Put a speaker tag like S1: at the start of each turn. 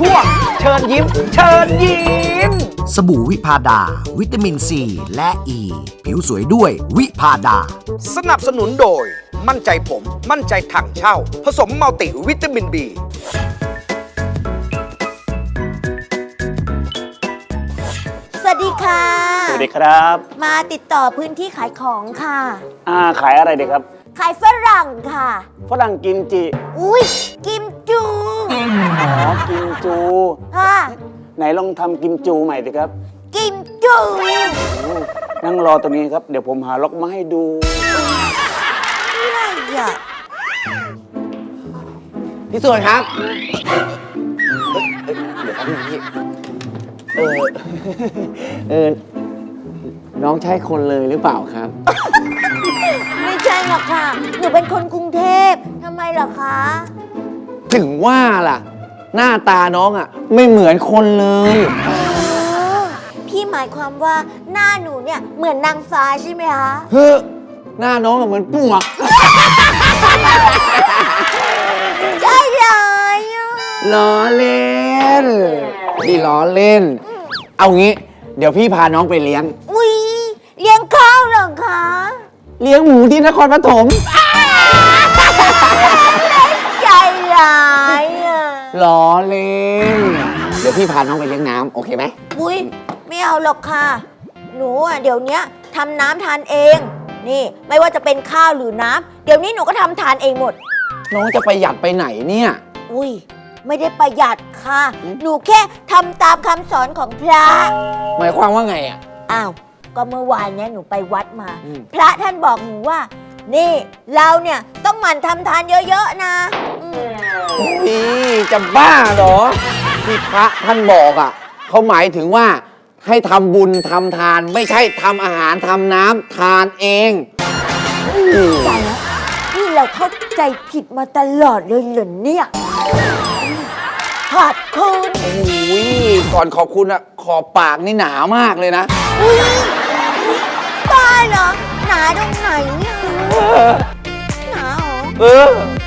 S1: ช่วงเชิญยิ้มเชิญยิ้ม
S2: สบู่วิพาดา วิตามินซีและอ e. ีผิวสวยด้วยวิพาดา
S1: สนับสนุนโดยมั่นใจผมมั่นใจถังเช่าผสมมัลติวิตามิน B
S3: สวัสดีค่ะ
S4: สวัสดีครับ
S3: มาติดต่อพื้นที่ขายของค่ะ
S4: ขายอะไรดีครับ
S3: ขายฝรั่งค่ะ
S4: ฝรั่งกิมจิ
S3: อุ้ยกิมจู
S4: อ๋อ กิมจู
S3: ค่ะ
S4: ไหนลองทำกิมจูใหม่ดิครับ
S3: กิมจู
S4: นั่งรอตรงนี้ครับ เดี๋ยวผมหาล็อกมาให้ดู
S3: อะไรอ่ะ
S5: พี่ส่วนครับเดี๋ยวแป๊บนึงพี่น้องใช่คนเลยหรือเปล่าครับ
S3: ไม่ใช่หรอกค่ะ หนูเป็นคนกรุงเทพทำไมเหรอคะ
S5: ถึงว่าล่ะ หน้าตาน้องอ่ะ ไม่เหมือนคนเลย
S3: พี่หมายความว่าหน้าหนูเนี่ยเหมือนนางฟ้าใช่ไหมคะ
S5: เฮ้อหน้าน้องอะเหมือนปวก
S3: ใช่เลยอ่ะ
S5: ล้อเล่นพี่ล้อเล่น เอางี้ เดี๋ยวพี่พาน้องไปเลี้ยง
S3: อุ้ยเลี้ยงข้าวเหรอคะ
S5: เลี้ยงหมูที่นครปฐม
S3: ใจร้ายอ่ะ
S5: ล้อเล่น เดี๋ยวพี่พาน้องไปเลี้ยงน้ำโอเคไหม
S3: อุ้ยไม่เอาหรอกค่ะ หนูอ่ะเดี๋ยวเนี้ยทำน้ำทานเอง นี่ไม่ว่าจะเป็นข้าวหรือน้ำเดี๋ยวนี้หนูก็ทำทานเองหมด
S5: น้องจะประหยัดไปไหนเนี่ย
S3: อุ้ยไม่ได้ประหยัดค่ะ หนูแค่ทำตามคำสอนของพระ
S5: หมายความว่าไงอ่ะ
S3: อ้าวก็เมื่อวานเนี้ยหนูไปวัดมา
S5: อืม
S3: พระท่านบอกหนูว่า นี่เราเนี่ยต้องหมั่นทำทานเยอะๆนะอืม
S5: นี่จะบ้าเหรอ ที่พระท่านบอกอ่ะเขาหมายถึงว่าให้ทำบุญทำทาน ไม่ใช่ทำอาหารทำน้ำทานเองอืม
S3: ใจแล้วนี่เราเข้าใจผิดมาตลอดเลยเหรอเนี่ยขอบคุณ
S5: โอ้ยก่อนขอบคุณอ่ะ ขอบปากนี่หนามากเลยนะ
S3: อุ้ยบ้าเหรอหนาตรงไหนเนี่ยหนาเหรอ
S5: เออ